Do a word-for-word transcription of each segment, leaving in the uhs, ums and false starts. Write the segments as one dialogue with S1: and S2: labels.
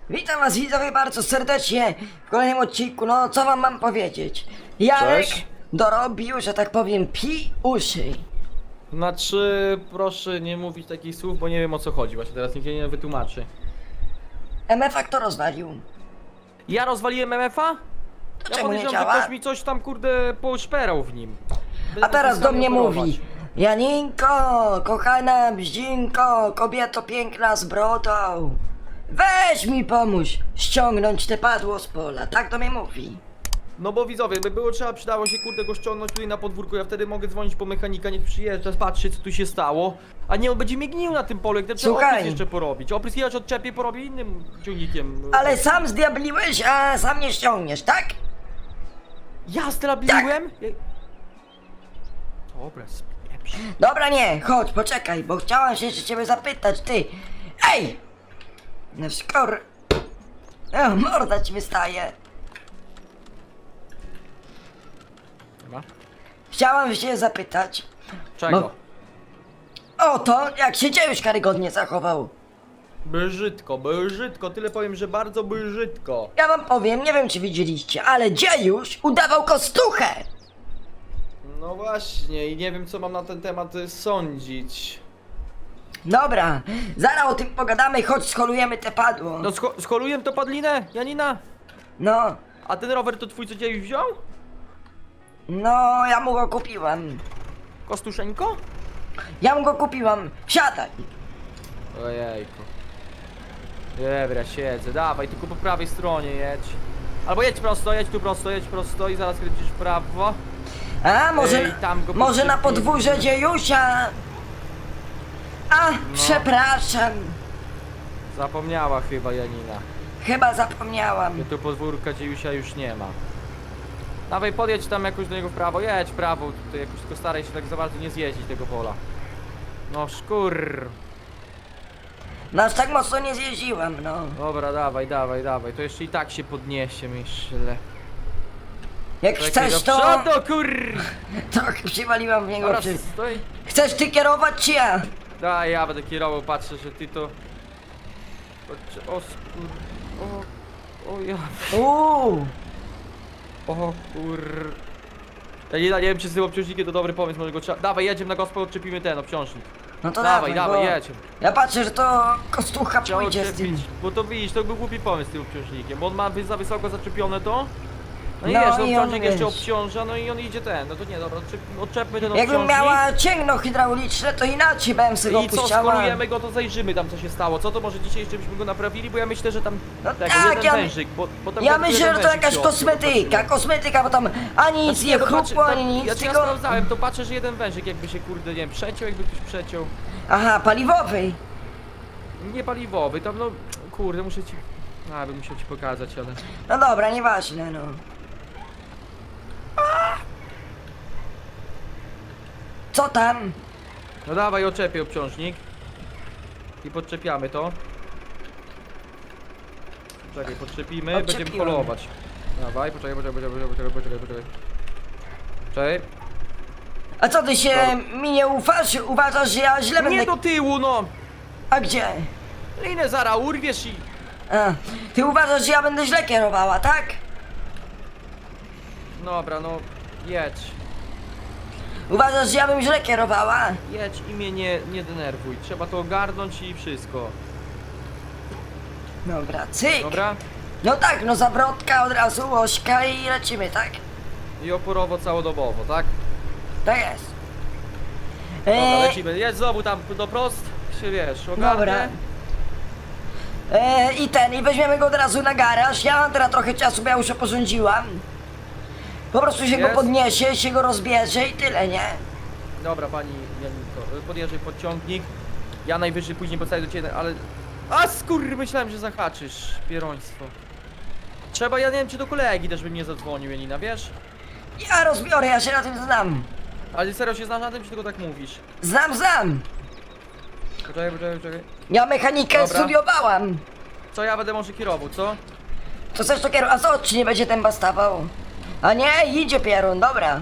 S1: Witam was widzowie bardzo serdecznie w kolejnym odcinku. No co wam mam powiedzieć? Jarek
S2: Cześć.
S1: dorobił, że tak powiem, pi uszy.
S2: Znaczy, proszę nie mówić takich słów, bo nie wiem o co chodzi. Właśnie teraz nikt nie wytłumaczy.
S1: M F A kto rozwalił?
S2: Ja rozwaliłem M F A?
S1: To
S2: Ja
S1: czemu nie
S2: podejrzewam, że
S1: działa?
S2: ktoś mi coś tam kurde poszperał w nim. Będę
S1: A teraz do mnie
S2: oprować.
S1: mówi: Janinko, kochana bździnko, kobieto piękna z brodą, weź mi pomóż ściągnąć te padło z pola. Tak do mnie mówi.
S2: No bo widzowie, by było trzeba, przydało się kurde go ściągnąć tutaj na podwórku. Ja wtedy mogę dzwonić po mechanika, niech przyjeżdża, patrzy co tu się stało. A nie, on będzie mnie gnił na tym polu, jak trzeba
S1: Słuchaj.
S2: oprysk jeszcze porobić. Oprysk jechać odczepię, porobię innym ciągnikiem.
S1: Ale sam zdiabliłeś, a sam nie ściągniesz, tak?
S2: Ja strabliłem? Ja... Dobra, spieprz.
S1: Dobra, nie, chodź, poczekaj, bo chciałam się jeszcze ciebie zapytać, ty. Ej! No skoro... O, morda ci wystaje.
S2: Chyba.
S1: Chciałam się zapytać
S2: Czego?
S1: Bo- o to, jak się dziejuś karygodnie zachował.
S2: Brzydko, brzydko, tyle powiem, że bardzo brzydko.
S1: Ja wam powiem, nie wiem czy widzieliście, ale dziejuś udawał kostuchę.
S2: No właśnie, i nie wiem co mam na ten temat y, sądzić.
S1: Dobra, zaraz o tym pogadamy, chodź skolujemy te padło.
S2: No scho scholuję to padlinę, Janina?
S1: No,
S2: A ten rower to twój co dziejuś wziął?
S1: no, ja mu go kupiłam.
S2: Kostuszeńko?
S1: Ja mu go kupiłam, siadaj.
S2: Ojejku. Dobra, siedzę, dawaj, tylko po prawej stronie jedź. Albo jedź prosto, jedź tu prosto, jedź prosto i zaraz kręcisz w prawo.
S1: A, może,
S2: Ej, tam go
S1: może na
S2: podszepnij.
S1: podwórze dziejusia? A,
S2: No.
S1: przepraszam,
S2: Zapomniała chyba Janina.
S1: chyba zapomniałam.
S2: Że tu podwórka dziejusia już nie ma. Dawaj, podjedź tam jakoś do niego w prawo, jedź w prawo, tutaj jakoś tylko staraj się tak za bardzo nie zjeździć tego pola. No szkur.
S1: No aż tak mocno nie zjeździłam, no.
S2: Dobra, dawaj, dawaj, dawaj, to jeszcze i tak się podniesie, myślę.
S1: Jak
S2: Czekaj,
S1: chcesz
S2: do
S1: to...
S2: przodu, kur...
S1: Tak, przywaliłam w niego
S2: Dobra,
S1: przy...
S2: stoi.
S1: Chcesz ty kierować czy ja?
S2: Daj, ja będę kierował, patrzę, że ty to... Patrzę, o skur... O... O ja...
S1: Uuu,
S2: O kur... Ja nie, nie wiem, czy z tym obciążnikiem to dobry pomysł, może go trzeba... Dawaj, jedziemy na gospę, odczepimy ten obciążnik.
S1: no to
S2: Dawaj,
S1: dawaj,
S2: dawaj,
S1: bo
S2: jedziemy.
S1: ja patrzę, że to kostucha
S2: Trzeba
S1: pójdzie z tym.
S2: odczepić, bo to widzisz, to był głupi pomysł z tym obciążnikiem, bo on ma wy- za wysoko zaczepione to. No i
S1: No
S2: wiesz,
S1: i
S2: no
S1: on,
S2: obciążnik jeszcze
S1: wiesz.
S2: obciąża, no i on idzie ten, no to nie, dobra, odczep- odczepmy ten
S1: Jakbym
S2: obciążnik.
S1: miała cięgno hydrauliczne, to inaczej bym sobie go
S2: I co,
S1: puściała.
S2: skolujemy go, to zajrzymy tam co się stało, co to może dzisiaj jeszcze byśmy go naprawili, bo ja myślę, że tam
S1: No
S2: tego,
S1: tak,
S2: jeden
S1: ja-
S2: wężyk, bo, bo tam
S1: Ja
S2: tylko
S1: myślę,
S2: jeden
S1: że to
S2: wężyk
S1: jakaś
S2: się odbił,
S1: kosmetyka,
S2: patrzyłem.
S1: kosmetyka, bo tam ani nic
S2: Znaczy,
S1: nie
S2: to patrzę,
S1: chrupło,
S2: tam-
S1: ani nic,
S2: ja, ja
S1: tylko...
S2: sprawdzałem, to patrzę, że jeden wężyk jakby się kurde, nie wiem, przeciął, jakby ktoś przeciął.
S1: Aha, paliwowy.
S2: Nie paliwowy, tam no, kurde, muszę ci... A, bym musiał ci pokazać, ale...
S1: No dobra, nieważne, no. Co tam?
S2: No dawaj, oczepię obciążnik. I podczepiamy to. Czekaj, podczepimy, będziemy
S1: Odczepiłem.
S2: polować. Dawaj, poczekaj, poczekaj, poczekaj, poczekaj, poczekaj, poczekaj. Czekaj.
S1: A co ty się
S2: Dobra.
S1: mi nie ufasz? Uważasz, że ja źle będę...
S2: Nie do tyłu, no!
S1: A gdzie?
S2: Linę zara urwiesz i...
S1: A, ty uważasz, że ja będę źle kierowała, tak?
S2: Dobra, no, jedź.
S1: Uważasz, że ja bym źle kierowała?
S2: Jedź i mnie nie, nie denerwuj. Trzeba to ogarnąć i wszystko.
S1: Dobra, cyk.
S2: Dobra?
S1: No tak, no zawrotka od razu, łośka i lecimy, tak?
S2: I oporowo całodobowo, tak?
S1: Tak jest.
S2: Dobra,
S1: Eee,
S2: lecimy. Jedź znowu tam do prost. Się wiesz, ogarnę.
S1: dobra. Eee, I ten, i weźmiemy go od razu na garaż. Ja mam teraz trochę czasu, bo ja już porządziłam. Po prostu się go
S2: Jest?
S1: podniesie, się go rozbierze i tyle, nie?
S2: Dobra, pani Janinko, podjeżdżaj pod ciągnik. Ja najwyżej później postawię do ciebie, ale... A skur, myślałem, że zahaczysz. Pieroństwo. Trzeba, ja nie wiem, czy do kolegi też bym nie zadzwonił, Janina, wiesz?
S1: Ja rozbiorę, ja się na tym znam.
S2: Ale serio się znasz na tym, czy tylko tak mówisz?
S1: Znam, znam.
S2: Poczekaj, poczekaj, poczekaj.
S1: Ja mechanikę
S2: Dobra.
S1: studiowałam.
S2: Co ja będę może kierował, co?
S1: To chcesz to kierować? A co, czy nie będzie ten bastawał? A nie, idzie pierun, dobra.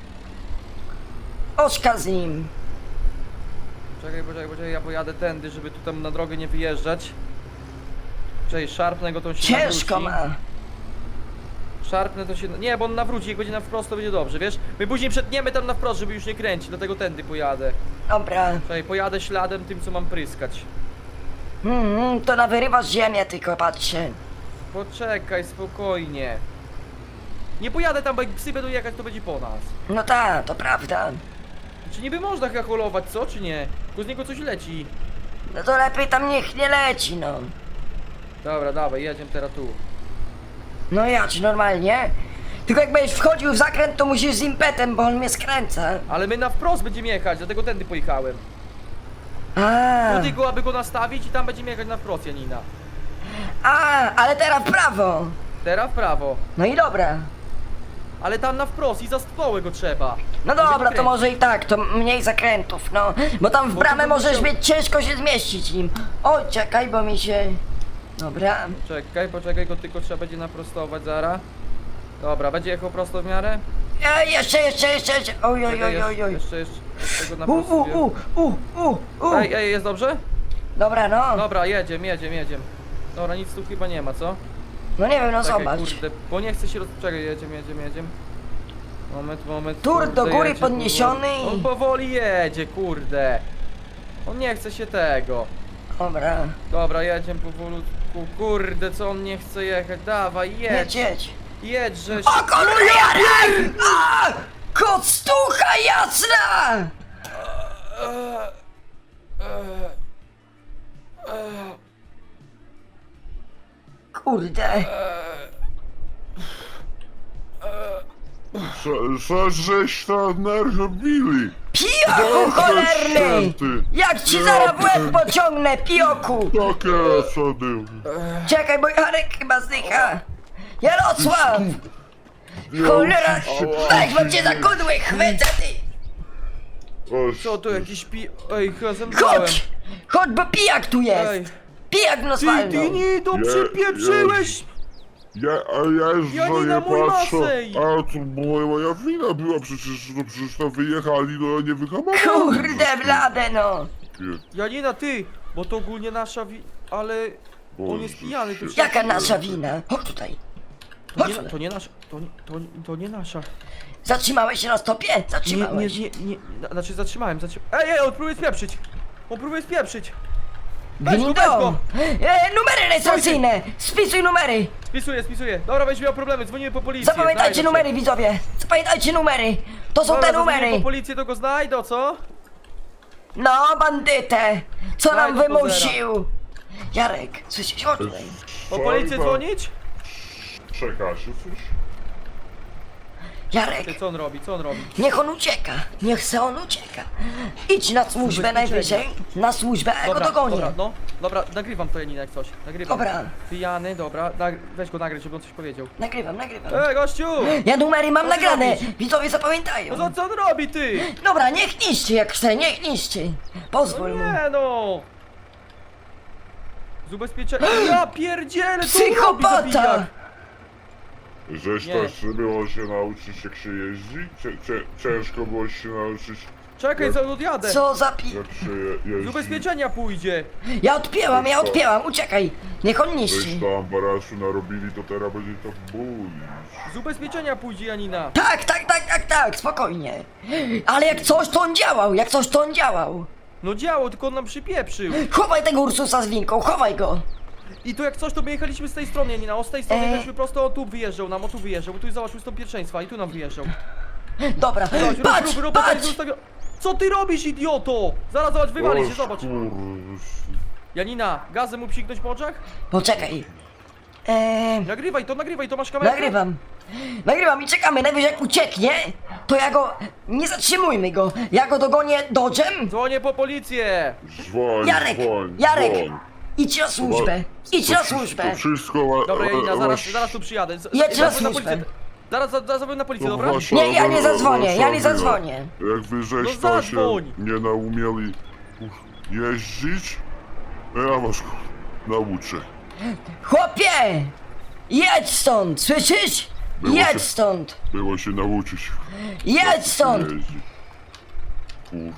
S1: Oczka z nim.
S2: Czekaj, poczekaj, poczekaj, ja pojadę tędy, żeby tu tam na drogę nie wyjeżdżać. Czekaj, szarpnę go, to on się
S1: Ciężko
S2: nawróci.
S1: ma.
S2: Szarpnę to się... Nie, bo on nawróci, jak będzie na wprost, to będzie dobrze, wiesz? My później przetniemy tam na wprost, żeby już nie kręcić, dlatego tędy pojadę.
S1: Dobra.
S2: Czekaj, pojadę śladem tym, co mam pryskać.
S1: Mm, to nawyrywasz ziemię tylko, patrzcie.
S2: Poczekaj, spokojnie. Nie pojadę tam, bo jak psy będą jechać, to będzie po nas.
S1: No tak, to prawda.
S2: Czy niby można hacholować, co, czy nie? Tylko z niego coś leci.
S1: No to lepiej tam niech nie leci, no.
S2: Dobra, dawaj, jedziemy teraz tu.
S1: No ja ci normalnie. Tylko jak będziesz wchodził w zakręt, to musisz z impetem, bo on mnie skręca.
S2: Ale my na wprost będziemy jechać, dlatego tędy pojechałem.
S1: A,
S2: Tutaj go, aby go nastawić i tam będziemy jechać na wprost, Janina.
S1: a, ale teraz w prawo.
S2: Teraz w prawo.
S1: No i dobra.
S2: Ale tam na wprost i za stołę go trzeba.
S1: No
S2: Żeby
S1: dobra,
S2: go
S1: to może i tak, to mniej zakrętów, no. Bo tam w
S2: Bo
S1: bramę
S2: to by
S1: możesz
S2: musiał-
S1: mieć ciężko się zmieścić nim. Oj, czekaj, bo mi się... Dobra.
S2: Czekaj, poczekaj, go tylko trzeba będzie naprostować zaraz. Dobra, będzie jechał prosto w miarę?
S1: E, jeszcze, jeszcze, jeszcze, jeszcze. Oj, oj,
S2: Czekaj,
S1: oj, oj, oj.
S2: Jeszcze, jeszcze, jeszcze go
S1: U, u,
S2: naprostuję.
S1: u, u, u, u.
S2: Ej, ej, jest dobrze?
S1: Dobra, no.
S2: Dobra, jedziemy, jedziemy, jedziemy. Dobra, nic tu chyba nie ma, co?
S1: No nie wiem, no
S2: Czekaj,
S1: zobacz.
S2: kurde, bo nie chcę się roz... Czekaj, jedziemy, jedziemy, jedziemy. Moment, moment.
S1: Tur
S2: kurde,
S1: do góry
S2: jedzie
S1: podniesiony
S2: powoli.
S1: i-
S2: On powoli jedzie, kurde. On nie chce się tego.
S1: Dobra.
S2: Dobra, jedziemy powolutku. Kurde, co on nie chce jechać? Dawaj,
S1: Jedź,
S2: jedź.
S1: jedź.
S2: Jedź, żeś...
S1: O kurde, Jarek! A! Koctucha jasna!
S2: Eee, eee, eee,
S1: Kurde.
S2: eee,
S3: Co, co żeś tam narobili?
S1: Pijoku cholerny!
S3: święty.
S1: Jak ci zaraz w łeb pociągnę, pijoku!
S3: Takie co był.
S1: Czekaj, bo Jarek chyba zdycha. Jarosław! Cholera! Weź, bo cię za kudły chwycę, ty!
S2: Co to jakiś pi... Ej, chyba zemdlałem.
S1: Chodź! Chodź, bo pijak tu
S2: Ej.
S1: jest! Pijak nas
S2: Ty,
S1: walnął!
S2: ty nie, to
S3: Je-
S2: przypieprzyłeś!
S3: Ja, a ja już
S2: Janina,
S3: za
S2: mój
S3: nie patrzę.
S2: Masej!
S3: A to moja, moja wina była przecież, no przecież tam wyjechali, no ja nie wyhamowałem.
S1: Kurde blade, no!
S2: Janina, ty! Bo to ogólnie nasza wi... Ale... On jest pijany, to się...
S1: Jaka nasza wina? Chodź tutaj!
S2: To
S1: Chodź
S2: nie,
S1: tutaj!
S2: to nie nasza... To nie, to, nie- to nie nasza.
S1: Zatrzymałeś się na stopie?
S2: Nie, nie,
S1: Zatrzymałeś.
S2: nie, nie... na- Znaczy zatrzymałem, zatrzymałem... Ej, ej, on próbuje spieprzyć! On próbuje spieprzyć! Weź go, weź
S1: Gnido!
S2: go!
S1: E, numery rejestracyjne! Spisuj numery!
S2: Spisuję, spisuję. Dobra, weź miał problemy, dzwonimy po policję.
S1: Zapamiętajcie
S2: znajdą
S1: numery,
S2: się.
S1: widzowie! Zapamiętajcie numery! To są
S2: Dobra,
S1: te
S2: zadzwonimy
S1: numery!
S2: po policję, to go znajdą, co?
S1: No, bandytę! Co nam
S2: Znajdą
S1: wymusił? Jarek, słyszysz? Chodź tutaj.
S2: Po policję dzwonić?
S3: Czekacie coś?
S1: Jarek,
S2: Ty, co on robi, co on robi?
S1: niech on ucieka! Niech se on ucieka! Idź na służbę
S2: Ubezpieczenie.
S1: najwyżej! Na służbę, a ja go dogonię!
S2: dobra, no. Dobra, nagrywam to Janina jak coś. Nagrywam.
S1: Dobra.
S2: Pijany, dobra. Nag weź go nagrać, żeby on coś powiedział.
S1: Nagrywam, nagrywam.
S2: Ej, gościu!
S1: Ja numery mam
S2: Co ty
S1: nagrane!
S2: robisz?
S1: Widzowie zapamiętają!
S2: No co, co on robi, ty?
S1: Dobra, niech niszczy jak chce, niech niszczy!
S2: No
S1: Pozwól mu!
S2: nie, no! Z ubezpieczenia... Ja pierdzielę, co on
S1: Psychopata!
S2: robi, zabijak?
S3: Żeś
S2: Nie.
S3: też było się nauczyć jak się jeździ? Cie, cie, ciężko było się nauczyć
S2: Czekaj, za odjadę.
S1: Co za pi...
S3: jak się je, jeździ?
S2: Z ubezpieczenia pójdzie.
S1: Ja odpięłam, ja odpięłam, uciekaj! Niech on niszczy!
S3: Żeś tam barasu narobili, to teraz będzie to bój.
S2: Z ubezpieczenia pójdzie Janina.
S1: Tak, tak, tak, tak, tak, spokojnie! Ale jak coś to on działał, jak coś to on działał!
S2: No działo, tylko on nam przypieprzył.
S1: Chowaj tego Ursusa z winką, chowaj go!
S2: I tu jak coś, to my jechaliśmy z tej strony, Janina. O, z tej strony
S1: Eee.
S2: jechaliśmy prosto, o tu wyjeżdżał nam, o tu wyjeżdżał. Bo tu zobaczył stąd pierwszeństwa i tu nam wyjeżdżał.
S1: Dobra,
S2: Zobacz,
S1: patrz,
S2: rób, rób, rób,
S1: patrz!
S2: zostawia... Co ty robisz, idioto? Zaraz, zobacz, wywali się,
S3: O,
S2: zobacz.
S3: skur-
S2: Janina, gazem mu psiknąć po oczach?
S1: Poczekaj. Eee,
S2: Nagrywaj to, nagrywaj to, masz kamerę?
S1: nagrywam. Nagrywam i czekamy, najwyżej jak ucieknie, to ja go... Nie zatrzymujmy go, ja go dogonię dodżem.
S2: Dzwonię po policję.
S3: Dzwoń,
S1: Jarek,
S3: dzwoń,
S1: Jarek,
S3: dzwoń.
S1: idź na służbę, idź
S3: To
S1: na
S3: wszystko-
S1: służbę.
S3: To wszystko ma...
S2: Dobra, Janina,
S3: ma-
S2: zaraz,
S3: masz-
S2: zaraz tu przyjadę. Z-
S1: Jedź na
S2: zadzwoń
S1: służbę.
S2: policję. Zaraz, zaraz zadzwoń na policję,
S3: to
S2: dobra?
S3: wasza-
S1: Nie, ja nie zadzwonię, ja nie
S3: wasza
S1: zadzwonię.
S3: wina. Jak wy żeś
S2: No
S3: to się
S2: zadzwoń.
S3: nie naumieli jeździć, ja was nauczę.
S1: Chłopie! Jedź stąd, słyszysz?
S3: Było się-
S1: Jedź stąd,
S3: Było się nauczyć
S1: jedź stąd.
S3: jeździć. Uff.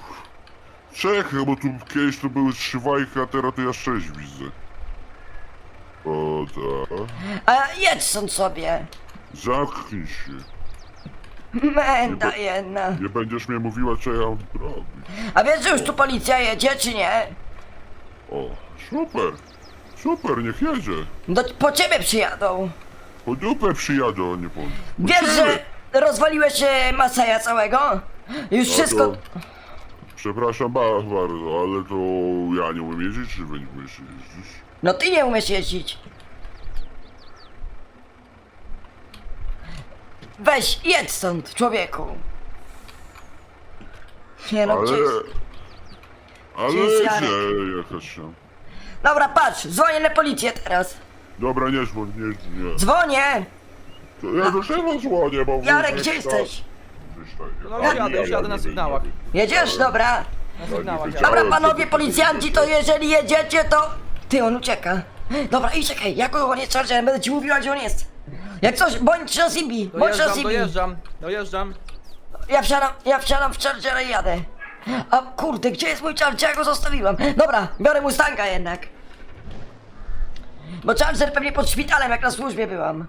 S3: Czekaj, bo tu kiedyś to były trzy wajki, a teraz to ja sześć widzę. O, tak.
S1: A jedź stąd sobie.
S3: Zamknij się.
S1: Menda jedna.
S3: Nie będziesz mnie mówiła, co ja mam robić.
S1: A wiesz, że już tu policja jedzie, czy nie?
S3: O, super. Super, niech jedzie.
S1: Do, po ciebie przyjadą.
S3: Po dupę przyjadą, nie po... po
S1: Wiesz,
S3: ciebie.
S1: że rozwaliłeś e, Masaja całego? Już
S3: A
S1: wszystko...
S3: to- Przepraszam ba- bardzo, ale to ja nie umiem jeździć, czy wy nie umiecie jeździć?
S1: No ty nie umiesz jeździć. Weź, jedź stąd, człowieku. Nie no,
S3: Ale...
S1: gdzie jest...
S3: Ale
S1: Gdzie jest
S3: gdzie
S1: Jarek?
S3: jechać tam?
S1: Dobra, patrz, dzwonię na policję teraz.
S3: Dobra, nie dzwoń, nie, nie.
S1: Dzwonię!
S3: To ja do czego dzwonię, bo...
S1: Jarek,
S3: gdzieś
S1: gdzie
S3: tam-
S1: jesteś?
S3: gdzieś tam-
S2: No
S3: Ja-
S2: jadę, już
S3: ja-
S2: jadę na
S3: ja-
S2: sygnałach.
S1: Jedziesz? Dobra.
S2: Na sygnałach
S3: nie
S2: jadę.
S1: Dobra,
S3: Chciałem,
S1: panowie
S3: żeby-
S1: policjanci, to jeżeli jedziecie, to... Ty, on ucieka. Dobra, i czekaj, jak on jest chargerem, będę ci mówiła, gdzie on jest. Jak coś, bądź na Zibi, bądź na
S2: Dojeżdżam,
S1: Zibi.
S2: dojeżdżam, dojeżdżam.
S1: Ja wsiadam, ja wsiadam w Chargera i jadę. A kurde, gdzie jest mój Charger? Ja go zostawiłem. Dobra, biorę Mustanga jednak. Bo Charger pewnie pod szpitalem, jak na służbie byłam.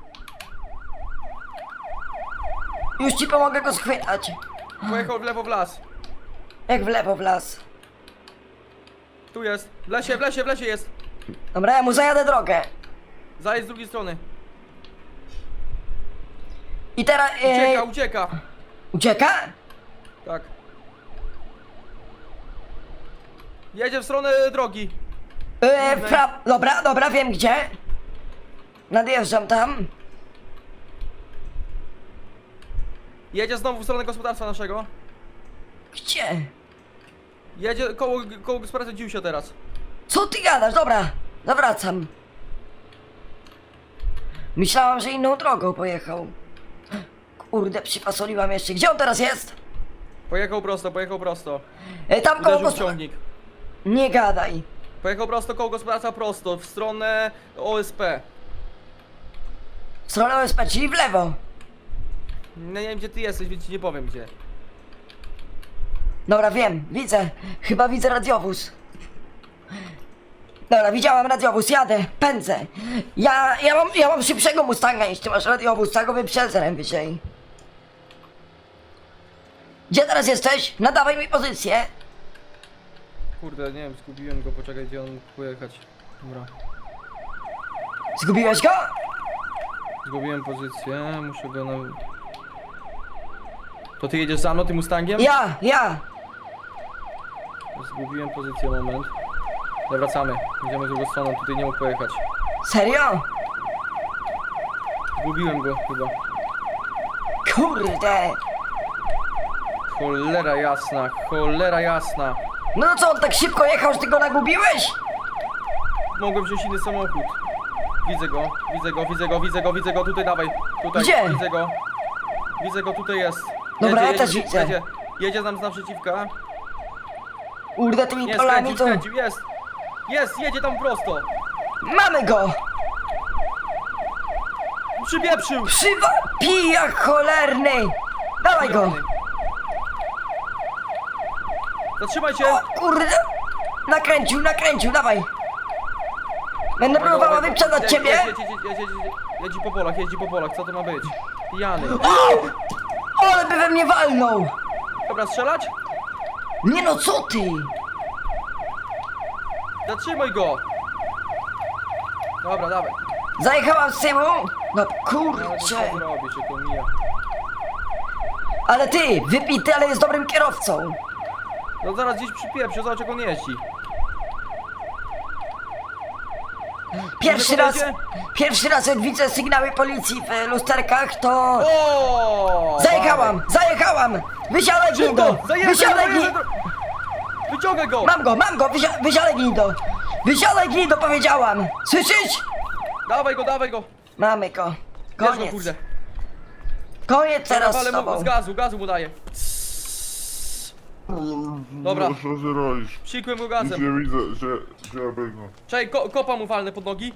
S1: Już ci pomogę go schwytać.
S2: Pojechał w lewo w las.
S1: Jak w lewo w las.
S2: Tu jest. W lesie, w lesie, w lesie jest.
S1: Dobra, ja mu zajadę drogę.
S2: Zajedź z drugiej strony.
S1: I teraz...
S2: Ucieka,
S1: E,
S2: ucieka.
S1: ucieka?
S2: Tak. Jedzie w stronę drogi.
S1: E, pra... Dobra, dobra, wiem gdzie. Nadjeżdżam tam.
S2: Jedzie znowu w stronę gospodarstwa naszego.
S1: Gdzie?
S2: Jedzie koło, koło gospodarstwa Dziusia teraz.
S1: Co ty gadasz? Dobra, zawracam. Myślałam, że inną drogą pojechał. Kurde, przypasoliłam jeszcze. Gdzie on teraz jest?
S2: Pojechał prosto, pojechał prosto.
S1: E, tam koło
S2: Uderzył w
S1: gospod...
S2: ciągnik.
S1: Nie gadaj.
S2: Pojechał prosto koło gospodarstwa prosto, w stronę O S P.
S1: W stronę O S P, czyli w lewo.
S2: No nie wiem gdzie ty jesteś, więc ci nie powiem gdzie.
S1: Dobra, wiem, widzę. Chyba widzę radiowóz. Dobra, widziałam radiowóz, jadę, pędzę. Ja, ja mam, ja mam szybszego Mustanga niż ty masz radiowóz, tak go wyprzedzę najwyżej. Gdzie teraz jesteś? Nadawaj mi pozycję.
S2: Kurde, nie wiem, zgubiłem go, poczekaj gdzie on mógł pojechać. Dobra.
S1: Zgubiłeś go?
S2: Zgubiłem pozycję, muszę go na... To ty jedziesz za mną tym Mustangiem?
S1: Ja, ja.
S2: Zgubiłem pozycję, moment. Zawracamy, idziemy z drugą stroną, tutaj nie mógł pojechać.
S1: Serio?
S2: Zgubiłem go chyba.
S1: Kurde.
S2: Cholera jasna, cholera jasna.
S1: No to co, on tak szybko jechał, że ty go nagubiłeś?
S2: Mogłem wziąć inny samochód. Widzę go, widzę go, widzę go, widzę go, widzę go, tutaj dawaj. Tutaj,
S1: Gdzie?
S2: widzę go. Widzę go, tutaj jest.
S1: Dobra, ja
S2: jedzie,
S1: też widzę.
S2: Jedzie, jedzie nam z naprzeciwka.
S1: Kurde, tymi
S2: Nie,
S1: polami
S2: skręcił,
S1: to...
S2: skręcił, jest. Jest, jedzie tam prosto.
S1: Mamy go!
S2: Przybieprzył.
S1: Przywa... Pijak cholerny! Dawaj go!
S2: Zatrzymaj się.
S1: O kurde! Nakręcił, nakręcił, dawaj! Będę próbowała wyprzedzać ciebie!
S2: Jedź, jedź, jedź, jedź, jedź, jedź, jedź po polach, jedź po polach, co to ma być? Pijany.
S1: O! Ale by we mnie walnął!
S2: Dobra, strzelać?
S1: Nie no, co ty?
S2: Zatrzymaj go. Dobra, dawaj.
S1: Zajechałam z tyłu? No
S2: Ale to
S1: kurczę!
S2: co zrobisz, że to mija.
S1: Ale ty, wypity, ale jest dobrym kierowcą!
S2: No zaraz gdzieś przypieprzy, zobacz jak on jeździ.
S1: Pierwszy
S2: Może
S1: raz,
S2: podejdzie?
S1: pierwszy raz jak widzę sygnały policji w lusterkach, to...
S2: O!
S1: Zajechałam, zajechałam! Wysiadaj gnido!
S2: Szybko, zajeżdżaj,
S1: Wysiadaj
S2: zajeżdżaj
S1: gnido!
S2: do- Wyciągaj go!
S1: Mam go, mam go! Wysia wysiadaj gnido! Wysiadaj gnido, powiedziałam! Słyszysz?
S2: Dawaj go, dawaj go!
S1: Mamy go.
S2: Bierz go,
S1: Koniec.
S2: kurde.
S1: Koniec teraz
S2: Ale
S1: z
S2: mu,
S1: tobą.
S2: z gazu, gazu mu daję. Dobra.
S3: No, co ty robisz?
S2: Psikłem go
S3: Nic
S2: gazem.
S3: nie widzę, że... że ja bym...
S2: Czekaj, ko kopa mu walnę pod nogi.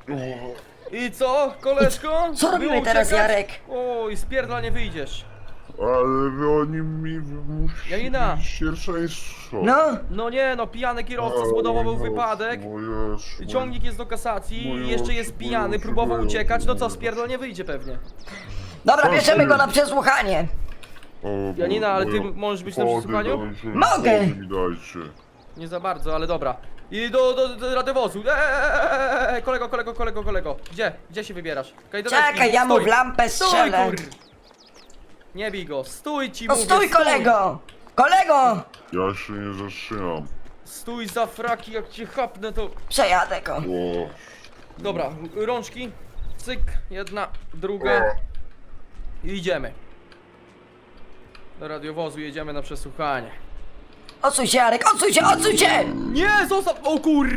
S2: I co, koleżko?
S1: co robimy
S2: Było
S1: teraz,
S2: uciekać?
S1: Jarek?
S2: Oj, z pierdla nie wyjdziesz.
S3: ale oni mi musi
S2: Janina!
S3: mieć pierwszeństwo.
S1: No,
S2: No nie no, pijany kierowca spowodował wypadek. Ciągnik jest do kasacji,
S3: Mój
S2: jeszcze jest
S3: Boże,
S2: pijany,
S3: mój
S2: próbował
S3: Boże,
S2: uciekać, no co,
S3: mój
S2: spierdolnie wyjdzie pewnie.
S1: dobra,
S3: Co
S1: bierzemy
S3: ty?
S1: go na przesłuchanie.
S2: Janina, ale ty możesz być na przesłuchaniu?
S1: Mogę.
S3: Mi dajcie.
S2: Nie za bardzo, ale dobra. I do, do, do radiowozu. Eee, kolego, kolego, kolego, kolego. Gdzie? Gdzie się wybierasz? Kajdaneczki,
S1: Czekaj, ja mu
S2: stój.
S1: w lampę
S2: Stój,
S1: strzelę.
S2: kur... Nie bij go, stój ci
S1: No
S2: mówię,
S1: stój, kolego! Kolego!
S3: Ja się nie zatrzymam.
S2: Stój za fraki, jak cię chapnę to...
S1: Przejadę go.
S3: O,
S2: Dobra, rączki. Cyk, jedna, druga. I idziemy. Do radiowozu jedziemy na przesłuchanie.
S1: Odsuń się, Jarek, odsuń się, odsuń się!
S2: Nie, zostaw! O kur...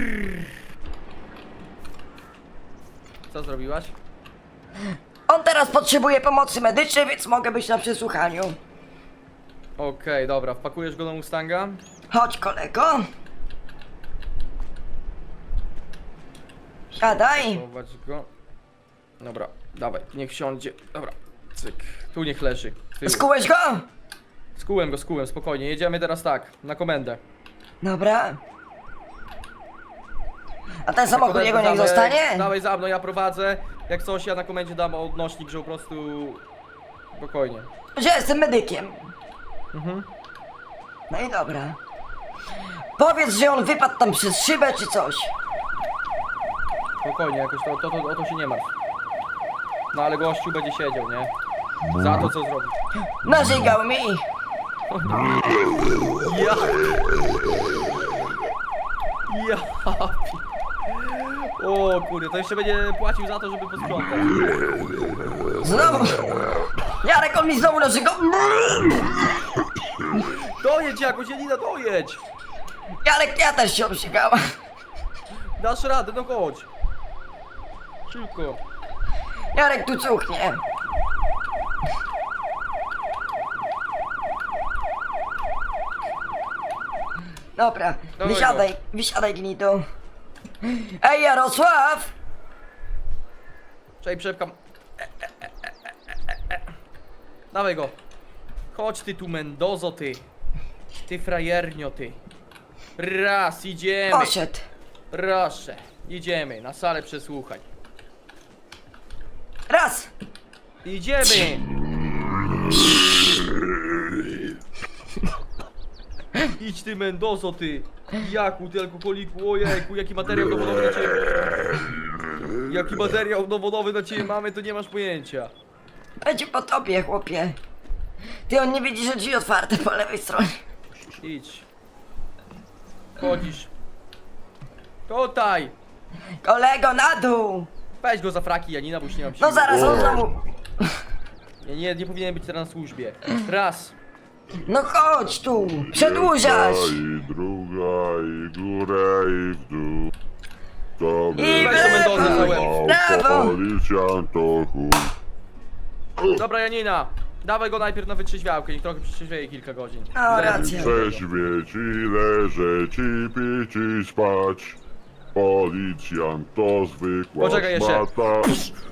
S2: Co zrobiłaś?
S1: On teraz potrzebuje pomocy medycznej, więc mogę być na przesłuchaniu.
S2: Okej, dobra, wpakujesz go do Mustanga?
S1: Chodź, kolego. Siadaj.
S2: Chować go. Dobra, dawaj, niech siądzie. Dobra, cyk. Tu niech leży. z tyłu.
S1: Skułeś go?
S2: Skułem go, skułem, spokojnie. Jedziemy teraz tak, na komendę.
S1: Dobra. A ten samochód
S2: Komendę
S1: jego niech
S2: damy-
S1: zostanie?
S2: Dawaj za mną, ja prowadzę. Jak coś, ja na komendzie dam odnośnik, że po prostu... Spokojnie.
S1: Że jestem medykiem.
S2: Mhm.
S1: No i dobra. Powiedz, że on wypadł tam przez szybę czy coś.
S2: Spokojnie, jakoś to, to, to, o to się nie martw. No ale gościu będzie siedział, nie? Za to, co zrobił.
S1: Narzygał mi.
S2: Ja... Ja... O kurde, to jeszcze będzie płacił za to, żeby posprzątać.
S1: Znowu. Jarek, on mi znowu narzygał.
S2: Dojedź jakoś, Janina, dojedź!
S1: Jarek, ja też się obrzygałam.
S2: Dasz radę, no chodź. Szybko.
S1: Jarek tu cuchnie. Dobra,
S2: Dawaj
S1: wysiadaj, wysiadaj gnido. Ej, Jarosław!
S2: Czekaj, przepkam. E, e, e, e, e, e. Dawaj go. Chodź ty tu, Mendozo, ty. Ty frajernio, ty. Raz, idziemy.
S1: Poszedł.
S2: Proszę, idziemy na salę przesłuchań.
S1: Raz!
S2: Idziemy! Idź ty, Mendozo, ty! Jaku, ty alkoholiku, ojejku, jaki materiał dowodowy na ciebie... Jaki materiał dowodowy na ciebie mamy, to nie masz pojęcia.
S1: Będzie po tobie, chłopie. Ty, on nie widzi, że drzwi otwarte po lewej stronie.
S2: Idź. Chodzisz. Tutaj!
S1: Kolego, na dół!
S2: Weź go za fraki, Janina, bo już nie mam siły.
S1: No zaraz, on znowu...
S2: Ja nie, nie powinien być teraz na służbie. Raz.
S1: No chodź tu, przedłużasz!
S3: I druga, i górę, i w dół. To
S1: I w
S2: Weź to Mendozę za łeb.
S1: lewo, w prawo!
S3: Policjant to chuj.
S2: Dobra, Janina. Dawaj go najpierw na wytrzeźwiałkę, niech trochę przetrzeźwieje kilka godzin.
S1: No,
S2: Zaraz
S1: racja.
S2: wytrzeźwieje.
S3: Trzeźwieć i leżeć i pić i spać. Policjant to zwykła
S2: Poczekaj jeszcze.
S3: szmata.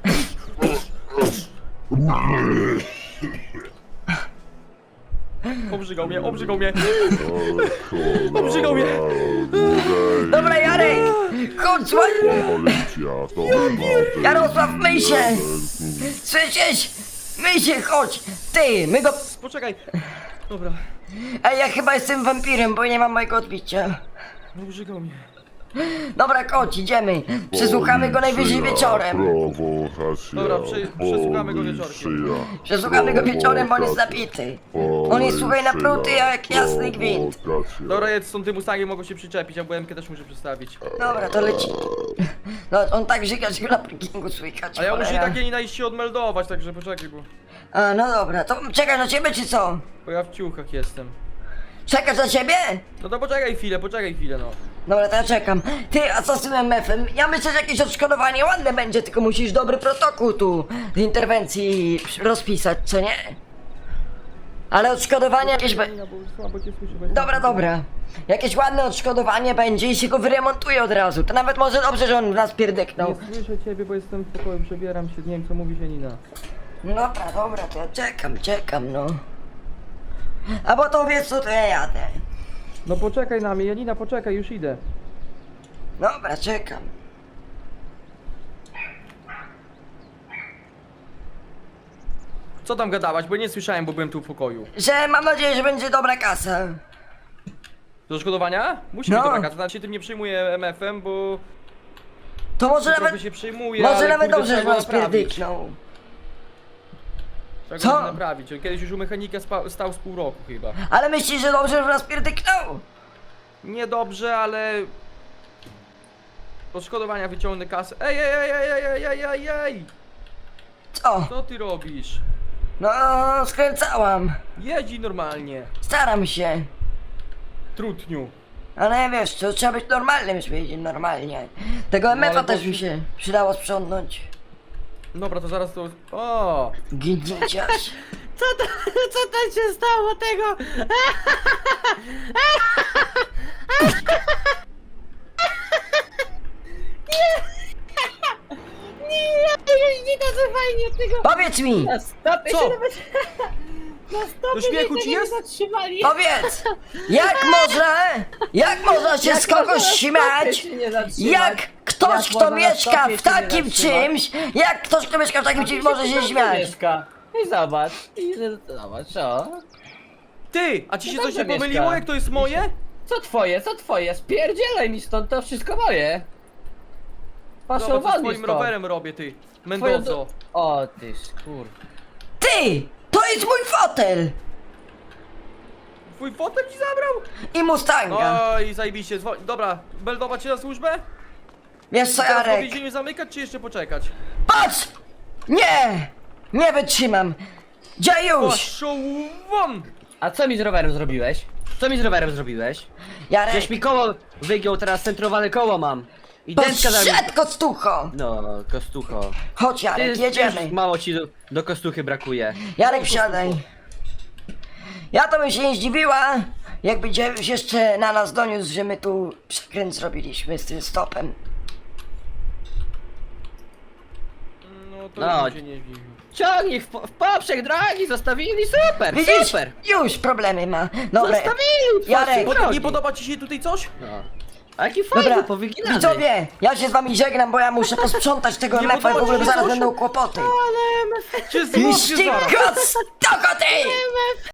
S2: Obrzygał mnie, obrzygał mnie.
S3: O,
S2: Obrzygał mnie.
S3: dłużej.
S1: Dobra, Jarek! Chodź, słuchaj!
S3: Policja to szmaty.
S1: Jarosław, myj się! Słyszysz? Myj się, chodź! Ty, my go...
S2: Poczekaj. Dobra.
S1: Ej, ja chyba jestem wampirem, bo nie mam mojego odbicia.
S2: Obrzygał mnie.
S1: Dobra, chodź, idziemy. Przesłuchamy go najwyżej
S3: Policja,
S1: wieczorem.
S3: prowokacja,
S2: Dobra, przy- przesłuchamy go wieczorkiem.
S3: policja,
S1: Przesłuchamy go wieczorem, bo on jest
S3: prowokacja,
S1: napity. On jest, słuchaj, napruty jak jasny gwint.
S3: prowokacja.
S2: Dobra, jedz stąd tym Mustangiem, mogą się przyczepić, a B M K też muszę przedstawić.
S1: Dobra, to leci. No, on tak żyga, że go na parkingu słychać.
S2: A ja muszę
S1: cholera.
S2: takie nie iść się odmeldować, także poczekaj, bo...
S1: A, no dobra, to czekasz na ciebie, czy co?
S2: Bo ja w ciuchach jestem.
S1: Czekasz na ciebie?
S2: No to poczekaj chwilę, poczekaj chwilę, no.
S1: Dobra, to ja czekam. Ty, a co z tym M F-em? Ja myślę, że jakieś odszkodowanie ładne będzie, tylko musisz dobry protokół tu z interwencji rozpisać, co nie? Ale odszkodowanie jakieś be...
S2: Bo słabo cię słyszę, bo jestem-
S1: Dobra, dobra. Jakieś ładne odszkodowanie będzie i się go wyremontuje od razu. To nawet może dobrze, że on w nas pierdyknął.
S2: Nie słyszę ciebie, bo jestem w pokoju, przebieram się, nie wiem co mówi Janina.
S1: Dobra, dobra, to ja czekam, czekam, no. A bo to wiesz co, to ja jadę.
S2: No poczekaj na mnie, Janina, poczekaj, już idę.
S1: Dobra, czekam.
S2: Co tam gadałaś, bo nie słyszałem, bo byłem tu w pokoju.
S1: Że mam nadzieję, że będzie dobra kasa.
S2: Do odszkodowania? Musi
S1: No.
S2: być dobra kasa, znaczy się tym nie przejmuję M F-em, bo
S1: To może
S2: trochę
S1: nawet,
S2: się przejmuje,
S1: może
S2: ale
S1: nawet
S2: kurde,
S1: dobrze, że
S2: trzeba
S1: nas
S2: go naprawić.
S1: pierdyknął.
S2: Trzeba
S1: Co?
S2: go naprawić. On kiedyś już u mechanika spa- stał z pół roku chyba.
S1: Ale myślisz, że dobrze, że nas pierdyknął?
S2: Niedobrze, ale... Odszkodowania wyciągnę kasę. Ej, ej, ej, ej, ej, ej, ej, ej!
S1: Co?
S2: Co ty robisz?
S1: No, skręcałam.
S2: Jedzi normalnie.
S1: Staram się.
S2: Trutniu.
S1: Ale wiesz, to trzeba być normalnym, żeby jeździć normalnie. Tego M F-a
S2: ale
S1: też
S2: bo-
S1: mi się przydało sprzątnąć.
S2: Dobra, to zaraz to... O!
S1: Gnieciarz.
S4: Co to, co to się stało tego? Nie, nie, nie, to co fajnie tego.
S1: Powiedz mi!
S4: Na stopy
S2: Co?
S4: się nawet... Na stopy
S2: Do śmiechu
S4: się
S2: ci
S4: nie
S2: jest?
S4: zatrzymali.
S1: Powiedz! Jak można, jak można się z kogoś
S4: można na stopy
S1: śmiać?
S4: się nie zatrzymać?
S1: Jak ktoś,
S4: Jak
S1: kto
S4: można na
S1: mieszka
S4: stopie
S1: w
S4: się nie
S1: takim
S4: zatrzymać?
S1: czymś, jak ktoś, kto mieszka w takim czymś, może się śmiać?
S4: Mieszka. I zobacz, i zobacz, o.
S2: Ty! A ci się
S4: No
S2: coś nie
S4: dobrze,
S2: pomyliło,
S4: Mieszka.
S2: jak to jest moje?
S4: Co twoje, co twoje? Spierdzielaj mi stąd, to wszystko moje. Paszą
S2: Zobacz, co
S4: wodni
S2: swoim
S4: stąd.
S2: rowerem robię, ty.
S4: Twoją
S2: Mendozo.
S4: do- O ty kur...
S1: Ty! To jest mój fotel!
S2: Twój fotel ci zabrał?
S1: I Mustanga.
S2: Oj, zajebiście. Dzwo- Dobra, beldować się na służbę?
S1: Wiesz co,
S2: Teraz po
S1: Jarek?
S2: więzieniu zamykać, czy jeszcze poczekać?
S1: Patrz! Nie! Nie wytrzymam! Dziejuś!
S2: Poszło won!
S4: A co mi z rowerem zrobiłeś? Co mi z rowerem zrobiłeś?
S1: Jarek!
S4: Żeś mi koło wygiął, teraz centrowane koło mam. I dętka za mnie...
S1: Poszedł kostucho!
S4: No, kostucho.
S1: Chodź
S4: Ty,
S1: Jarek,
S4: ty
S1: jedziemy.
S4: już mało ci do, do kostuchy brakuje.
S1: Jarek, wsiadaj. Ja to bym się nie zdziwiła, jakby dziejuś jeszcze na nas doniósł, że my tu przekręt zrobiliśmy z tym stopem.
S2: No to
S4: No.
S2: bym się nie zdziwił.
S4: Ciągnij w, po- w poprzek drogi, zostawili, super,
S1: Widzisz?
S4: super.
S1: Już problemy ma. Dobra.
S4: Zostawili w
S1: Jarek,
S4: poprzek
S2: Pod,
S4: drogi.
S2: nie podoba ci się tutaj coś?
S4: No. A jaki fajny,
S1: Dobra,
S4: powyginany.
S1: widzowie, ja się z wami żegnam, bo ja muszę posprzątać tego
S2: Nie
S1: M F-a i w
S2: podoba
S1: ogóle
S2: ci się
S1: zaraz
S2: coś?
S1: będą kłopoty.
S2: Czy złapie
S1: Iście
S2: zaraz?
S1: kostoko ty!